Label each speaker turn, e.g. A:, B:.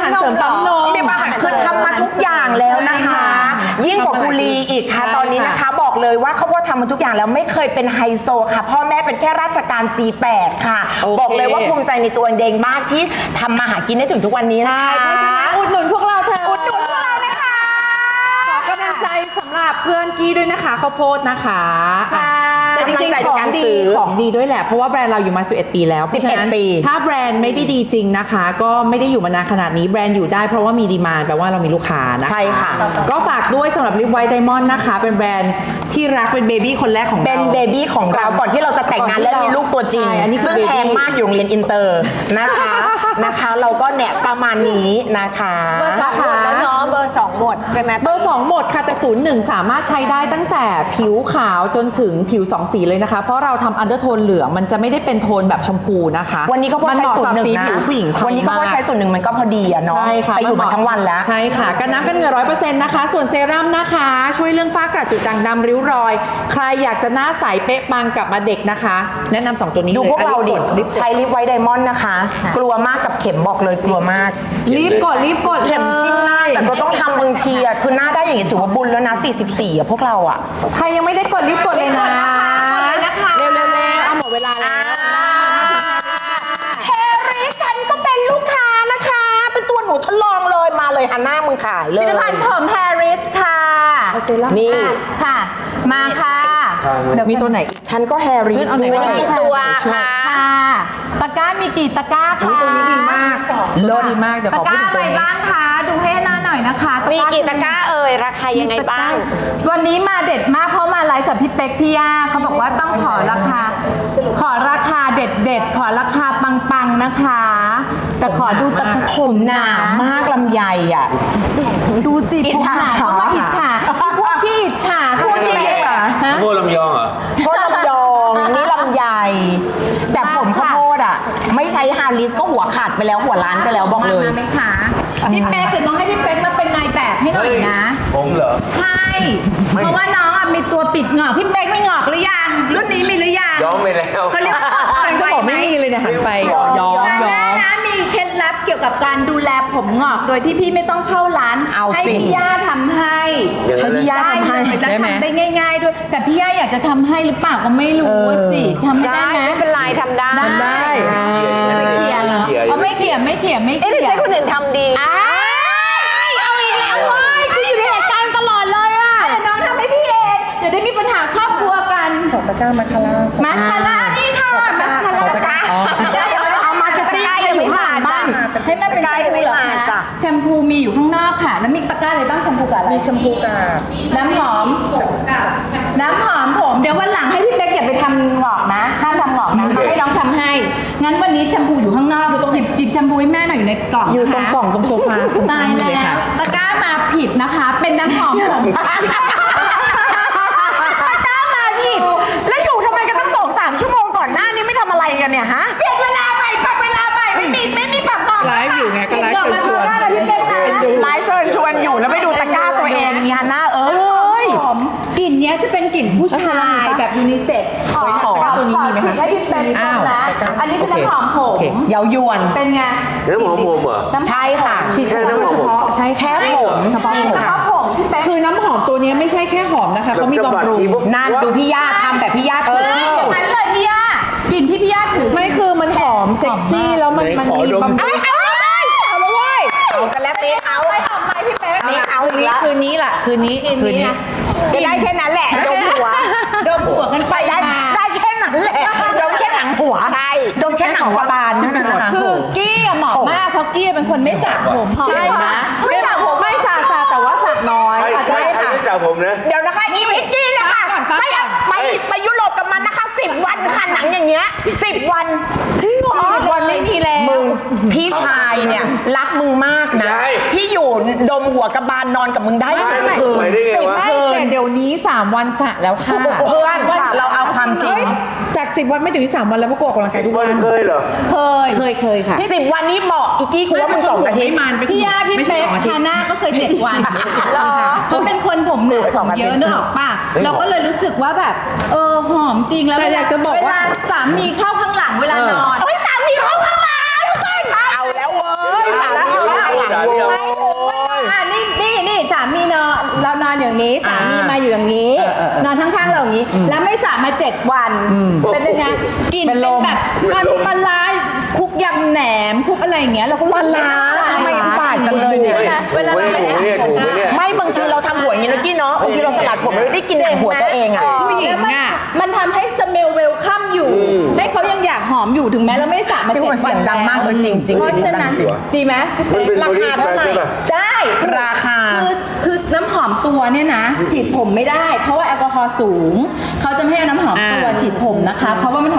A: ารเสริมปั๊มนมมีอาหารคือทำมาทุกอย่างแล้วนะคะยิ่งกว่ากุลีอีกค่ะตอนนี้นะคะบอกเลยว่าเขาทำมาทุกอย่างแล้วไม่เคยเป็นไฮโซค่ะพ่อแม่เป็นแค่ราชการ C8 ค่ะบอกเลยว่าภูมิใจในตัวเองมากที่ทำมาหากินได้ถึงทุกวันนี้นะคะ
B: อุดหนุนพวกเราเถอะ
A: อุดหนุนพวกเรานะคะ
B: ขอกำลังใจสำหรับเพื่อนกี้ด้วยนะคะข้าวโพดนะคะแต่จริงๆของดีด้วยแหละเพราะว่าแบรนด์เราอยู่มา11ปีแล้ว
A: 11 ปี
B: ถ้าแบรนด์ไม่ได้ดีจริงนะคะก็ไม่ได้อยู่มานานขนาดนี้แบรนด์อยู่ได้เพราะว่ามีดีมานด์แปลว่าเรามีลูกค้านะคะ
A: ใช่ค่ะ
B: ก็ฝากด้วยสำหรับลิปไวท์ไดมอนด์นะคะเป็นแบรนด์ที่รักเป็นเบบี้คนแรกของเรา
A: เป็นเบบี้ของเราก่อนที่เราจะแต่งงานและมีลูกตัวจริงซึ่งแพงมากอยู่โรงเรียนอินเตอร์นะคะเราก็แนะประมาณนี้นะคะ
C: เบอร์2หมดแล้วเนาะเบอร์2หมดใช่ไหม
B: เบอร์2หมดค่ะแต่01สามารถใช้ได้ตั้งแต่ผิวขาวจนถึงผิว2สีเลยนะคะเพราะเราทำอันเดอร์โทนเหลืองมันจะไม่ได้เป็นโทนแบบชมพูนะคะ
A: วันนี้ก็พอใช้01นะ
B: ผู้หญิง
A: วันนี้ก็พอใช้01มันก็พอดีอะเนาะ
B: ใช่ค่ะ
A: ไปอยู่มาทั้งวันแล้ว
B: ใช่ค่ะกันน้ำกันเหงื่อ 100% นะคะส่วนเซรั่มนะคะช่วยเรื่องฝ้ากระจุดด่างดำริ้วรอยใครอยากจะหน้าใสเป๊ะปังกลับมาเด็กนะคะแนะนำ2ตัวนี้
A: ดูพวกเราดิใช้ลิปไวท์ไดมอนด์นะคะกลัวมากกับเข็มบอกเลยกลัวมาก
B: รีบกด
A: เข็มจิ้มหน้าแต่ก็ต้องทำบางทีอะคือหน้าได้อย่างนี้ถือว่าบุญแล้วนะ44อะพวกเราอะ
B: ใครยังไม่ได้กดรีบกดเลยนะเร็วเอาหมดเวลาแล้ว
A: แฮร์รี่ฉันก็เป็นลูกค้านะคะเป็นตัวหนูทดลองเลยมาเลยฮันน่ามึงขายเลย
C: ผลิตภัณฑ์ผมแฮร์ริสค่ะ
A: นี่
C: ค่ะมาค่ะ
B: มีตัวไหน
A: ฉันก็แฮร์รี่ด้วย
C: กี่ตัวค่ะตะกร้ามีกี่ตะกร้าคะ
B: ตัวนี้ดีมากดีมากเดี๋ยวขอพูดถึงตัวนี้
C: ตะกร้าอะไรบ้างคะดูให้หน้าหน่อยนะคะ
A: มีกี่ตะกร้าราคายังไงบ้าง
C: วันนี้มาเด็ดมากเพราะมาไลฟ์กับพี่เป๊กพี่ย่าเขาบอกว่าต้องขอราคาเด็ดขอราคาปังๆนะคะแต่ขอดูตะ
A: ผมหนามากลำไยอ่ะ
C: ดูสิผมหนาเขาว่าอิจฉาพวกที่อิจฉาพวกที่อิจฉา
D: พวกลำยองเหรอ
A: พวกลำยองนี่ลำไยแต่ผมข้าวโพดอ่ะไม่ใช้ฮาริสก็หัวขาดไปแล้วหัวล้านไปแล้วบอกเลย
C: มาไหมคะพี่เป๊กจะต้องให้พี่เป๊กมาเป็นนายแบบให้หน่อยนะ
D: ผมเหรอ
C: ใช่เพราะว่าน้องมีตัวปิดหงอกพี่เป๊กไม่หงอกหรือยังรุ่นนี้มีหรือยัง
D: ย้อมไปแล้ว
C: เขาเรียกว่า
B: ก็บอกไม่มีเลยเนี่ยหันไปย้อม
C: นะมีเคล็ดลับเกี่ยวกับการดูแลผมหงอกโดยที่พี่ไม่ต้องเข้าร้านให้พี่ย่าทำให้
A: พี่ย่าทำให้
C: ได้ไหมได้ง่ายๆด้วยแต่พี่ย่าอยากจะทำให้หรือเปล่าก็ไม่รู้สิทำได้ไหม
A: ไม่เป็นไรทำได้
C: ไม่เขี่ยเหรอไม่เขี่ย
A: เอ๊ะใช่คนอื่นทำดี
C: เอาอีกแล้วเว้ยคืออยู่ในเหตุการณ์ตลอดเลยอ่ะเดี๋ยวน้องทำให้พี่เองเดี๋ยวได้มีปัญหาครอบครัวกัน
B: ขอตะกร้ามาคาร่า
C: นี่ค่ะมาคาร่า
A: เอามาชุดตี้ให้ไม่ผ่านบ้าง
C: ให้มันเป็นไกด์ไม่มาจ้ะแชมพูมีอยู่ข้างนอกค่ะแล้วมีตะกร้าอะไรบ้างแชมพูกับอะไร
B: มีแชมพูกับ
C: น้ำหอมผมเดี๋ยววันหลังให้พี่เป๊กอย่าไปทำหงอกนะห้ามทำหงอกนะให้น้องทำให้งั้นวันนี้แชมพูอยู่ข้างนอกดูตรงหยิบแชมพูให้แม่หน่อยอยู่ในกล่อง
B: อยู่ตรงกล่องตรงโซฟา
C: ตายแล้วตะกร้ามาผิดนะคะเป็นน้ำหอมผมตะกร้ามาผิด
A: แล้วอยู่ทำไมกันตั้ง2-3 ชั่วโมงก่อนหน้านี้ไม่ทำอะไรกันเนี่ยฮะ
C: เปลี่ยนเวลาใหม่ปรับเวลาใหม่ไม่มีปรับหงอก
B: ไลฟ์อยู่ไงก็ไลฟ์ชวน
A: ไลฟ์ชวนอยู่แล้วไปดูตะกร้าตัวเองนี่ฮันน่า
C: ผมกลิ่นนี้จะเป็นกลิ่นผู้ชายแบบยูนิเซ็กซ์
B: ตัวนี้มีไหมคะ
C: ให้พี่เป็นนะอันนี้คือน้ำหอมผม
A: เยาวยวน
C: เป็นไง
D: น้ำหอมผมเหรอ
A: ใช่ค่ะ
D: แค่น้ำหอมผม
B: ใช่
A: แค่ผม
C: จริงค่ะ
B: คือน้ำหอมตัวนี้ไม่ใช่แค่หอมนะคะเขามีบำรุง
A: นั่นดูพี่ย่าทำแบบพี่ย่าถือ
C: มันเลยพี่ย่ากลิ่นที่พี่ย่าถือ
B: ไม่คือมันหอมเซ็กซี่แล้วมันมีบำรุง
A: เอาเลยเว้ยเอากันแล้วปีเอา
C: ไปหอมไปพี่เป๊ก
B: เอาอีกแล้วคืนนี้
A: ก็ได้แค่นั้นแหละดมหัวกันไปได้แค่นั้นแหละดมแค่หนังหัว
C: ใช่
A: ดมแค่หนังหัวบานนั่นแหละ
C: คือกี้เหมาะมากเพราะกี้เป็นคนไม่สระผม
B: ใช่นะไม่สระผมไม่สระแต่ว่าสระน้อย
D: ใช่ค่ะไม่สระผมนะ
A: เดี๋ยวนะคะอีวิกกี้นะคะไปยุโรปกับมันนะคะ10 วันค่ะหนังอย่างเงี้ย10 วัน
B: จริงเหรอ10 วันไม่มีแล้ว
A: มึงพี่ชายเนี่ยรักมึงมากนะที่อยู่ดมหัวกระบาลนอนกับมึงได้
D: ไม่
B: แต่เดี๋ยวนี้3 วันสระแล้วค่ะ
A: เพื่อนเราเอาความจริง
B: จาก10 วันไม่ถึง3 วันแล้วพวกกูออกกำลังกายทุกวัน
D: เคยเหรอ
B: เคยค่ะ
A: 10 วันนี้บอกอีกี้กูว่ามึง2 อาทิตย์
C: พี่ย่าพี่เป๊กฮาน่าก็เคย7 วันเพราะเป็นคนผมหนาเยอะเนอะป่ะเราก็เลยรู้สึกว่าแบบหอมจริงแล้ว
B: แต่อยากจะบอกว่า
C: สามีเข้าข้างหลังเวลานอน
A: สามีเข้าข้างหลังเอาแล้วเว้ย
D: หรือยัง
C: ไม่ถึงว่านี่สามีนอนเรานอนอย่างนี้สามีมาอยู่อย่างนี้ นอนข้างๆเราอย่างนี้ แล้วไม่สระมา 7 วัน เป็นยังไงกลิน
B: เป็
C: เป็น น
B: ลม
C: แบบมันปลาร้าคลุกยำแหนมคลุกอะไรอย่างเงี้ยเราก็
A: ปลาร้าทำไมอุบาทจังเลยเนี่ย
C: เวลาเราไม่
D: ถูกไหมเนี่ยถูกไหมเนี่ย
A: ไม่บางทีเราทำหัวอย่างนี้นะกี้เนาะบางทีเราสลัดผมเราได้กินหนังหัวตัวเองอ่ะ
B: ผู้หญิง
C: แล้ว
B: อะ
C: มันทำให้สเมลเวลคัมอยู่ ให้เขายังอยากหอมอยู่ถึงแม้เราไม่ได้สระมา
A: พี่
C: 7
A: ว่าเสี
C: วั
A: ย
C: น
A: งดังมากเลยจริงๆ
C: เพราะฉะนั้น
A: เสียงดังจริง
C: ดีไหม
D: มันเป็น
A: ราคาเท่าไหร่
D: ใช่ปะ
C: ได้
A: ราคา
C: คือน้ำหอมตัวเนี่ยนะ ฉีดผมไม่ได้ เพราะว่าแอลกอฮอล์สูง เขาจะไม่ให้เอาน้ำหอมตัวฉีดผมนะคะ เพราะว่ามัน